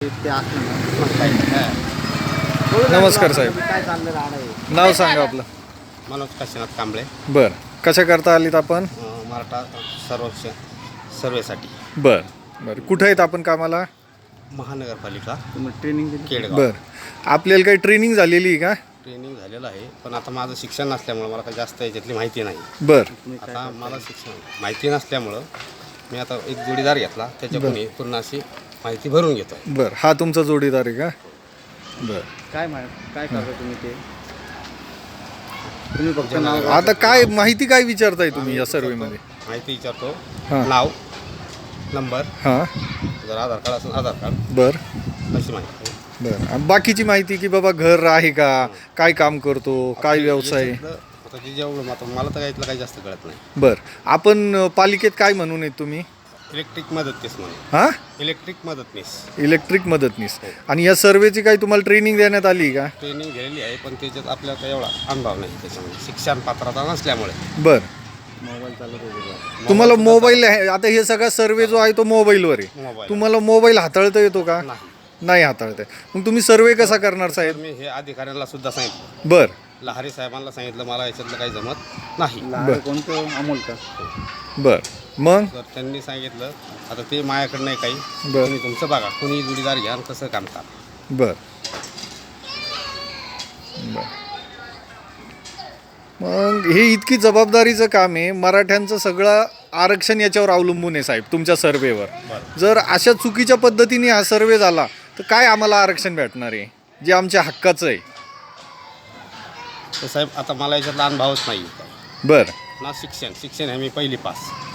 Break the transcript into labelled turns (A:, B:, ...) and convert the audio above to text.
A: ते असलं ना मग काही नाही.
B: नमस्कार साहेब.
A: काय चाललं राहणं आहे?
B: नाव सांगा आपलं.
C: मनोज काशीनाथ कांबळे,
B: बर, कशा करता आलीत आपण?
C: मराठा सर्वेक्षण सर्वेसाठी
B: बर बर, कुठं आहेत आपण कामाला?
C: महानगरपालिका
A: तुम्ही ट्रेनिंग दिली?
C: केडगाव.
B: बर, आपल्याला काही ट्रेनिंग झालेली आहे का?
C: ट्रेनिंग झालेलं आहे, पण आता माझं शिक्षण नसल्यामुळं मला काही जास्त याच्यातली माहिती नाही.
B: बर
A: तुम्ही काय
C: आता मला शिक्षण माहिती नसल्यामुळं मी आता एक जोडीदार घेतला, त्याच्याकडून पूर्ण अशी माहिती भरून घेतो.
B: बर, हा तुमचा जोडीदार आहे का? बर,
A: काय करता तुम्ही ते? तुम्ही फक्त नाव
B: आता काय माहिती काय विचारताय तुम्ही या सर्वेमध्ये?
C: माहिती विचारतो,
B: हां.
C: नाव, नंबर,
B: हां.
C: जर आधार कार्ड असेल आधार कार्ड,
B: बर
C: अशी माहिती.
B: बर, आणि बाकीची माहिती की बाबा घर आहे का, काय काम करतो, काय व्यवसाय?
C: याच्यातलं आता जे जेवढं आता मला तर यातलं काही जास्त कळत नाही.
B: बर, आपण पालिकेत काय म्हणून आहेत तुम्ही?
C: इलेक्ट्रिक मदतनीस म्हणून.
B: हां,
C: इलेक्ट्रिक मदतनीस
B: इलेक्ट्रिक मदतनीस. आणि या सर्वेची काही तुम्हाला ट्रेनिंग देण्यात आली का?
C: ट्रेनिंग घेतलेली आहे, पण त्याच्यात आपल्याला काही एवढा अनुभव नाही त्याच्यामध्ये, शिक्षण पात्रता नसल्यामुळे.
B: बर,
A: मोबाईल चालत होते?
B: तुम्हाला मोबाईल आता हे सगळा सर्वे जो आहे तो मोबाईलवर आहे.
C: मोबाईल
B: तुम्हाला मोबाईल हाताळता येतो का?
C: नाही.
B: नाही हाताळता येत. मग तुम्ही सर्वे कसा करणार
C: तर
B: साहेब?
C: मी हे अधिकाऱ्यांना सुद्धा सांगितलं,
B: बर
C: लहारी साहेबांना सांगितलं, मला याच्यातलं काही जमत नाही.
A: लहान कोणतं अमोल का?
B: बर, मग
C: तर त्यांनी सांगितलं आता ते माझ्याकडं नाही काही,
B: बर.
C: तुम्ही तुमचं बघा, कोणी जोडीदार घ्या आणि कसं काम करा.
B: बर बर. मग हे इतकी जबाबदारीचं काम आहे, मराठ्यांचं सगळं आरक्षण याच्यावर अवलंबून आहे साहेब, तुमच्या सर्वेवर. जर अशा चुकीच्या पद्धतीने हा सर्वे झाला तर काय आम्हाला आरक्षण भेटणार आहे जे आमच्या हक्काचं आहे?
C: तर साहेब आता मला याच्यातला अनुभवच नाही.
B: बर
C: ना शिक्षण आहे मी पहिली पास.